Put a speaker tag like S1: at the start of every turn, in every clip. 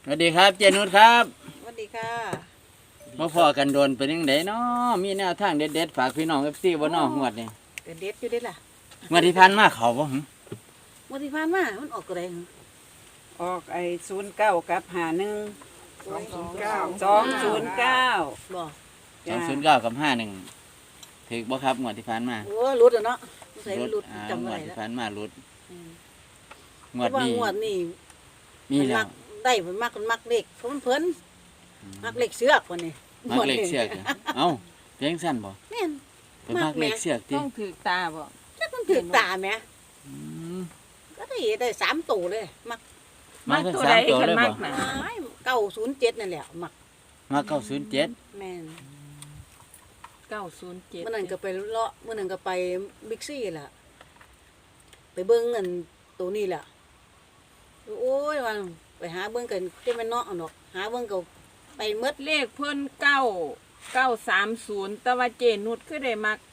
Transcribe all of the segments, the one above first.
S1: สวัสดีครับเจนุชครับ
S2: สวัสดีค่ะ
S1: มาพอกันโดนเป็นยังไงเนาะมีแนวทางเด็ดๆฝากพี่น้องFCบ่เนาะงวดนี้
S2: เด็ดอยู่เด็ดล่ะ
S1: งวดที่ผ่านมาเขาบ่หึ
S2: วันที่ผ่านมามันออกอะไรหรอ
S3: ออกไอ้09กับ51 209
S2: บอก
S1: 209กับ51ถูกบ่ครับงวดที่ผ่านมา
S2: โอ้รุดอ่ะเนาะใส่
S1: รุด
S2: รุด
S1: อ่า
S2: จำ
S1: ง
S2: อะ
S1: ว
S2: ไร
S1: ดที่
S2: แล้ว
S1: ผ่านมารุด ง
S2: เพ
S1: วด
S2: ราะว่า
S1: นี้
S2: งวดนี่
S1: มี
S2: มัน
S1: แล้
S2: มั
S1: ว
S2: กได้มันมักเล็กเพราะมันเพลินมักเล็กเสือกวันนี้
S1: มักเลขเสือกเหรอเอ้าเพียงสั้นบ่
S2: แม่น
S1: เป็นมักเลขเสือกติ
S3: ต้องถือตาบ่
S2: จักมันถือตาแหม่
S1: อืม
S2: ก็ได้3ตัวเลยมัก
S1: มาทั้งสามตัวเลยบ่
S2: 907นั่นแหละมัก
S1: มา907
S2: แม่น
S3: 907
S2: เมื่อนั้นก็ไปเลาะเมื่อนั้นก็ไปบิ๊กซี่ล่ะไปเบิ่งเงินตัวนี้ล่ะโอ้ยว่าไปหาเบิ่งกันจะแม่นเนาะเอาดอกหาเบิ่งก็ไปหมด
S3: เลขเพิ่น930แต่ว่าเจนุชคือได้มัก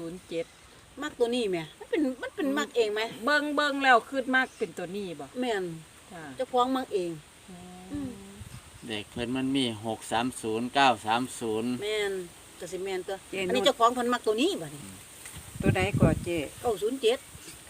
S3: 907
S2: มักตัวนี้แหม่มันเป็นมักเองไหม
S3: เบิ่งแล้วคือมักเป็นตัวนี้บ่
S2: แม่น
S3: จ้า
S2: เจ้าของมักเอง
S1: เด็กเพิ่นมันมี630 930
S2: แม่นก็สิแม่นตัวอันนี้เจ้าของเพิ่นมักตัวนี้บัดนี้
S3: ตัวใดก่อเจ
S2: 907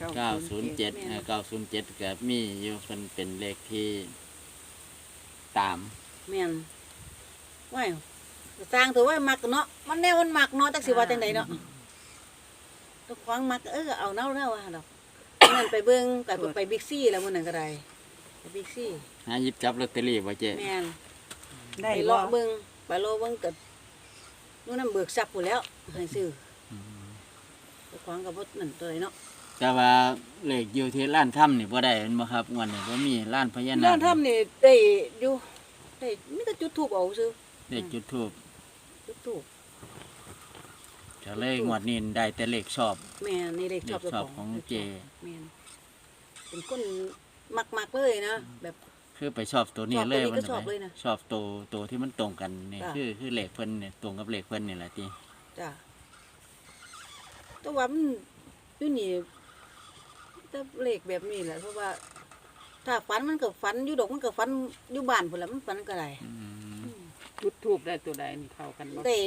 S1: 907 907ก็มีอยู่เพิ่นเป็นเลขที่ตาม
S2: แม่นว้ายก็สร้างตัวไว้มักเนาะมันแนวมันมักเนาะจักสิว่าจังไดเนาะเจ้าของมักเอาเนาว่าดอกมื้อนั้นไปเบิ่งไปบิ๊กซี่แล้วมื้อนั้นก็ได้ไปบิ๊กซี่
S1: หาหยิบจับลอตเตอรี่บ่เจ๊
S2: แม่น
S3: ได้
S2: ไป
S3: บ่
S2: เลาะเบิ่งไปเลาะเบิ่งก็นู่นนำเบิกทรัพย์พู้นแล้วให้ซื้อเจ้าของก็บ่นั่นตัวใดเนาะ
S1: แต่ว่าเลขอยู่ที่ร้านถ้ำนี่บ่ได้แม่นบ่ครับงวดนี้บ่มีร้านพญานา
S2: ร้า
S1: คน
S2: ทำนี่ได้อยู่ได้มีแต่จุดธูปเอาซื่อ
S1: เลขจุดทูบ
S2: จุดธูป
S1: ก็เลยงวดนี้ได้แต่เลขชอบ
S2: แม่นี่เลข
S1: เล
S2: ชอบ
S1: ข
S2: เจ้า
S1: ชอบ
S2: ข
S1: ข
S2: อ
S1: อง งเจ
S2: แม่นเป็นคนมักๆเลยนะแบบ
S1: คือไปชอบตัวนี้เลย
S2: ชอบตัวนี้ก็
S1: มัน
S2: ชอบเลยนะ
S1: ชอบตัวที่มันตรงกันนี่
S2: จ้ะ
S1: คือเลขเพิ่นเนี่ยตรงกับเลขเพิ่นนี่แหละติ
S2: จ้ะแต่ว่ามันอยู่นี่แต่เลขแบบนี้แหละเพราะว่า ถ้าฝันมันก็ฝันอยู่ดอกมันก็ฝันอยู่บ้านพุ่นละมันฝันก็ได้
S1: อืม
S3: จุดทูบได้ตัวใดนี่เข้ากันบ่
S2: ได้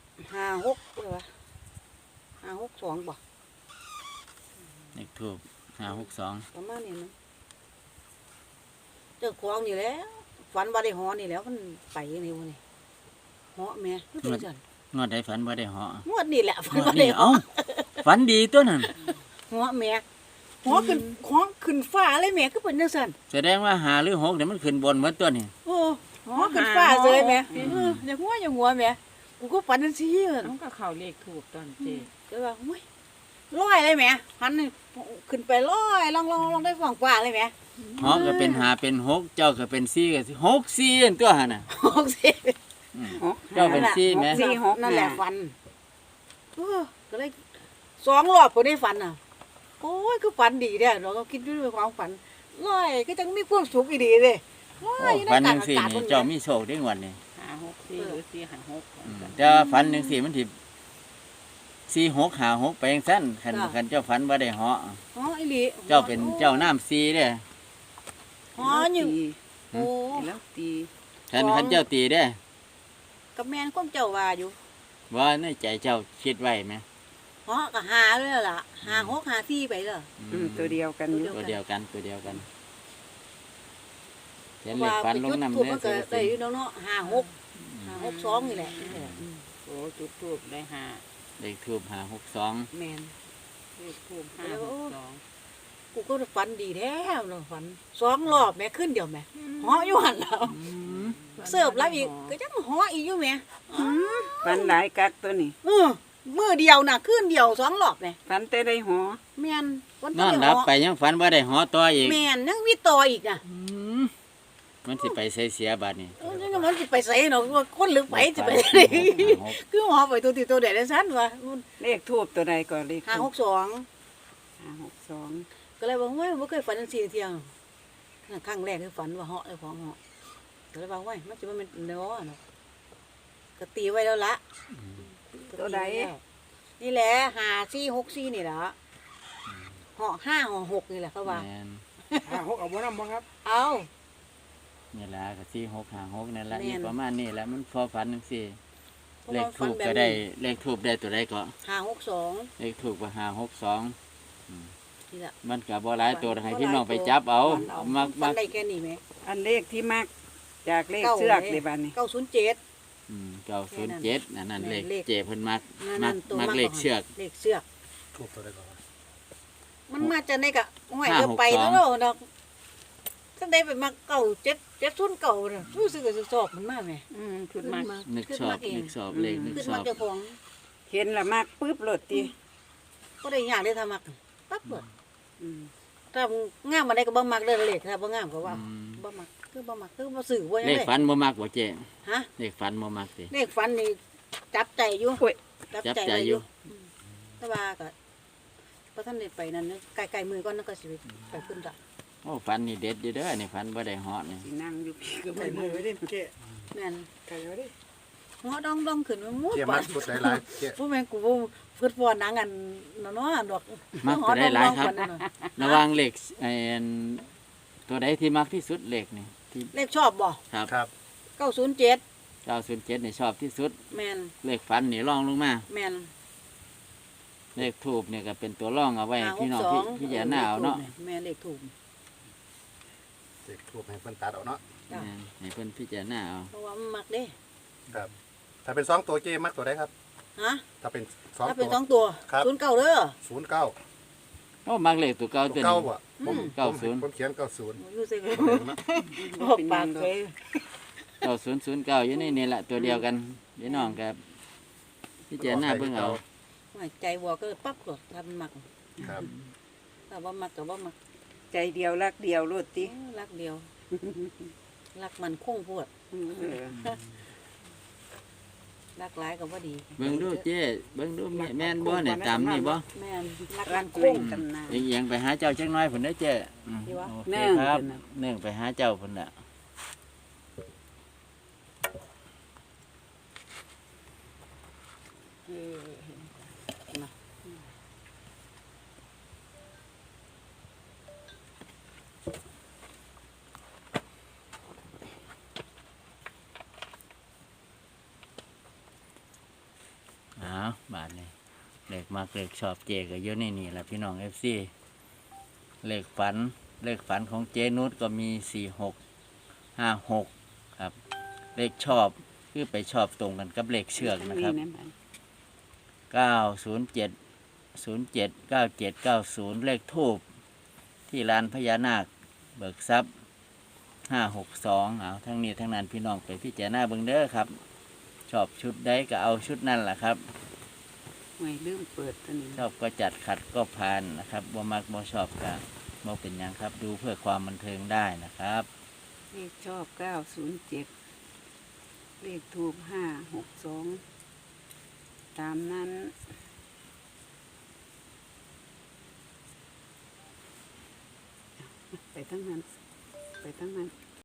S2: 56เลยวะ562บ่
S1: เลขทูบ562
S2: ประมาณนี้นะเจ้าของนี่แหล้วฝันว่าได้หอนี่แหล้วมันไปนี่วะนี่หอแม่คือเป็นจัง
S1: งวดใดฝันบ่ได้เหาะ
S2: งวดนี่แหละฝัน
S1: งวด
S2: ว่า
S1: นี้
S2: ได้หอ
S1: เอ้าฝันดีตัวนั้น
S2: หอแม่หอขึ้นฟ้าเลยแม่คือเป็นจังซั่น
S1: แสดงว่า5หรือ6เนี่ยมันขึ้นบนหมดตัวนี่
S2: โอ้หอขึ้นฟ้าเลยแม่อย่าหัวแม่กูก็ฝันจังซี่
S3: มันก็เข้าเลขทูบตอนเจ
S2: ก็ว่าโอ้ยลอยเลยแม่หันนี่ขึ้นไปลอยลองได้ฝั่งฟ้าเลยแม่
S1: เหาะก็เป็น5เป็น6เจ้าก็เป็น4ก็สิ6 4อันตัวหั่นน่ะ
S2: หกสิ
S1: อืม เจ้าเป็นซี่ไหม
S2: นั่นแหละฟันก็เลย2 รอบพอได้ฟันอ่ะโอ้ยคือฝันดีเด้อเราก็คิดด้วยความฝันลอยก็จังมีความสุขอีดีเลยลอ
S1: โอ้
S2: ยอยู่ใน
S1: ฝัน
S2: กลา
S1: จั
S2: ง
S1: ง
S2: อา
S1: ซี่
S2: กาศ
S1: นี่เจ้ามีโชคได้งวดนี่
S3: 564หรือ456
S1: อืมแต่ว่าฝันจังซี่มันสิ46 56ไปจังซั่นคันเจ้าฝันบ่ได้เหาะ
S2: อ๋ออีหลี
S1: เจ้าเป็นเจ้าน้ำ4เด้
S2: อ๋ออยู่โอ้
S3: แล้วตี
S1: คันเจ้าตีเด้
S2: กับแม่นความเจ้าว่าอยู่
S1: ว่าในใจเจ้าคิดไว้ไหม
S2: อ๋อก็หาเลยล่ะ5 6 5 4ไปเลย
S3: ตัวเดียวกันอยู่
S1: ตัวเดียวกันเขียนเล
S2: ว่า
S1: ขฝัน
S2: ไป
S1: ล
S2: จุ
S1: ง
S2: ด
S1: น้ำ
S2: ถูก
S1: เด้
S2: มันก็ได้อยู่เนาะ5 6 2นี่แหละ
S3: โอ้จุดทูบได้ห้า
S1: เลขทูบ562
S2: แม่น
S3: เลขทูบ562
S2: กูก็ฝันดีแท้เนาะฝัน2 รอบแม่ขึ้นเดียวแม่หออยู่หั่นแล้ว เสิร์ฟแล้วอีกก็จังหออีกอยู่แหม่
S3: ฟันหลายกักตัวนี้
S2: มื้อเดียวน่ะคืนเดียว2 รอบแหม่
S3: ฟันแต่ได้หอ
S2: แม่นวัน
S1: นอนรับไปยังฝันว่าได้หอตัวอีก
S2: แม่นยังมีต่ออีกอ่ะ
S1: มันสิไปใส่เสียบาดนี้
S2: จังมันสิไปไสเนาะว่าคนหรือไปสิไปไสคือหอไปตัวที่ตัวใดได้ซั่นว่า
S3: เลขทูบตัวใดก่อนเลขทูบ
S2: 562
S3: 562
S2: ก็เลยว่าเฮ้ยบ่เคยฝันจังซี่เที่ยงครั้งแรกคือฝันว่าเหาะไอ้ของเหาะก็เลยว่าเฮ้ยมันสิบ่แม่นเนาะก็ตีไว้แล้วละ
S3: ตัวใด
S2: นี่แหละ5464นี่ล่ะเหาะ5เหาะ6นี่แหละเขาว่า
S1: แม่น
S4: 6เอาบ่นำบ่ครับ
S2: เอา
S1: นี่แหละก็สี่หกหาหกนั่นแหละ
S2: แม่น
S1: อยู่ประมาณนี้แหละมันพอฝันจังซี่
S2: เพราะ
S1: เล
S2: ว่า
S1: ขทูบ
S2: ฝันแบบ
S1: ก็
S2: นี้
S1: ได้เลขทูบได้ตัวใดก็
S2: 562
S1: เลขทูบก็562
S2: นี่ล่ะ
S1: มันก็บ่หลายตัวให้
S2: บ่หลาย
S1: พี่น้องไป
S2: ตัว
S1: จับเอา
S2: ฝันเอา
S1: มัก
S2: ฝั
S1: มั
S2: น
S1: ก
S2: ได้แค่นี้แหม
S3: อันเลขที่มักจากเลขเสือกเลยบัดนี้
S2: 907
S1: 907นั่นเลข
S2: เลข
S1: เจเพิ่นมัก
S2: นั่นตัว
S1: มักเลขเชือก
S2: เลขเชือก
S4: ทูบตัวใดก่อนวะ
S2: มันมาจากไหนกะห้วย
S1: 562
S2: เดี๋ยวไปแล้วเนาะดอกจังได้ไปมาเก่า709น่ะรู้สึกว่าสิชอบมันมากแหม
S3: ขึ้นมา
S1: นึกชอบนึกชอบเลขนึก
S2: ขึ้น
S1: ช
S2: มา
S1: อบ
S2: เจ้าของ
S3: เห็นละมักปึ๊บโลดติ
S2: ก็ได้ยากได้ทำมักปั๊บเบิด
S3: อืม
S2: ถ้างามมาได้ก็บ่มักเด้อเลขถ้าบ่งามก็ว่า
S1: อืม
S2: บ่มักคือบ่มักคือบ่ซื้อบ่ยัง
S1: เลข
S2: ไง
S1: ฝันบ่มักบ่เจ
S2: ฮะ
S1: เลขฝันบ่มักสิ
S2: เลขฝันนี่จับใจอยู่
S3: โอ้ย
S2: จับ
S1: จับ
S2: ใจ
S1: ใจ
S2: ไว้
S1: อ
S2: อยู่ ยู่แต่ว่าก็บ่ทันได้ไปนั่นใกล้ๆมือก่อนนั่นก็สิไปขึ้นดอก
S1: โอ้ฝันนี่เด็ดอยู่เด้อนี่ฝันบ่ได้เหาะนี่
S3: สินั่งอยู่พี่ก็
S4: ไก่
S3: ไม่
S4: มือไว้ดิเจ๊
S2: แม่น
S4: ไก่ไว้ดิ
S2: หัวดองๆขึ้นมาหมด
S4: เจ๊
S2: ปา
S4: มัดชุดหลายๆเจ๊
S2: ผู้แม่นกูบ่เพิ่นฟ้อนหนังอันเนาะดอก
S1: มักตัวได้หลายครับ
S2: หัวดองๆปานนั้นน่ะ
S1: ระหว่างเลขไอ้อันตัวใดที่มักที่สุดเลขนี่ที่
S2: เลขชอบบ่
S1: ครับ
S4: ครับ
S2: 907
S1: 907นี่ชอบที่สุด
S2: แม่น
S1: เลขฝันนี่รองลงมา
S2: แม่น
S1: เลขทูบเนี่ยก็เป็นตัวร่องเอาไว้ให้พี่น้องพี่จะหน้าเอาเนาะ
S2: แม่เลขถูก
S4: เจ๊ทูบให้เพิ่นตัดเอาเนาะ
S2: จ้ะ
S1: ให้เพิ่นพี่จะหน้าเอา
S2: เพราะว่ามันมักเด้
S4: ครับ ถ้าเป็น2ตัวเจ๊มักตัวใดครับ
S2: ฮะ
S4: ถ้าเป็น
S2: ถ้า
S4: 2
S2: เป็
S4: ตั
S2: น
S4: ว
S2: 2ตัว
S4: ครับ
S2: 09เด้อ
S4: 09
S1: โอ้มักเลขตัวเก่า
S4: ตัว
S1: ตัว
S4: เก้า
S1: นี้
S4: บ่ผม
S1: 90
S4: ผมเขียน90
S2: รู้สึก
S4: เนาะ
S2: บอกปากเลย
S1: 9009อยู่ในนี่แหละตัวเดียวกันพี่น้องกับพี่จะหน้าเบิ่งเอา
S2: ว่าใจวัวก็ปั๊บก็ทำมัก
S4: ครับ
S2: ถ้าว่ามักก็บ่มัก
S3: ใจเดียวรักเดียวโลดติ
S2: รักเดียว รักมันคงโพด
S3: เออ
S2: รักหลายก็บ่ดี
S1: เบิ่งดูเจ้เบิ่งดูแม่นบ่เนี่ยตามนี่บ่
S2: แม่นรัก
S3: รั
S2: มั
S3: ก
S2: นค
S3: เล่
S2: ง
S3: นตำนาน
S1: เอียงไปหาเจ้าจักหน้อยพุ่นเด้อเจ้อืม
S2: ดีวะ
S1: โอเค
S3: เนื่อง
S1: ครับ
S3: พุ่นน่ะ
S1: เนื่องไปหาเจ้าพุ่นน่ะ
S2: เออนะ
S1: อ้าวบาทนี่เลขมักเลขชอบเจก็อยู่ในนี่แหละพี่น้อง FC เลขฝันของเจนุชก็มี4656ครับ เลขชอบคือไปชอบตรงกันกับเลขเชือกนะครับ
S3: นี่มัน
S1: 907 97 90 เลขทูบที่ลานพญานาคเบิกทรัพย์562เอาทั้งนี้ทั้งนั้นพี่น้องไปพิจารณาเบิ่งเด้อครับ ชอบชุดใดก็เอาชุดนั่นแหละครับ
S3: ไม่ลืมเปิดตัวนี้
S1: ชอบก็จัดขัดก็ผ่านนะครับบ่มักบ่ชอบก็บ่เป็นหยังครับ ดูเพื่อความบันเทิงได้นะครับ
S3: เลขชอบ907เลขทูบ562ตามนั้นไปทั้งนั้น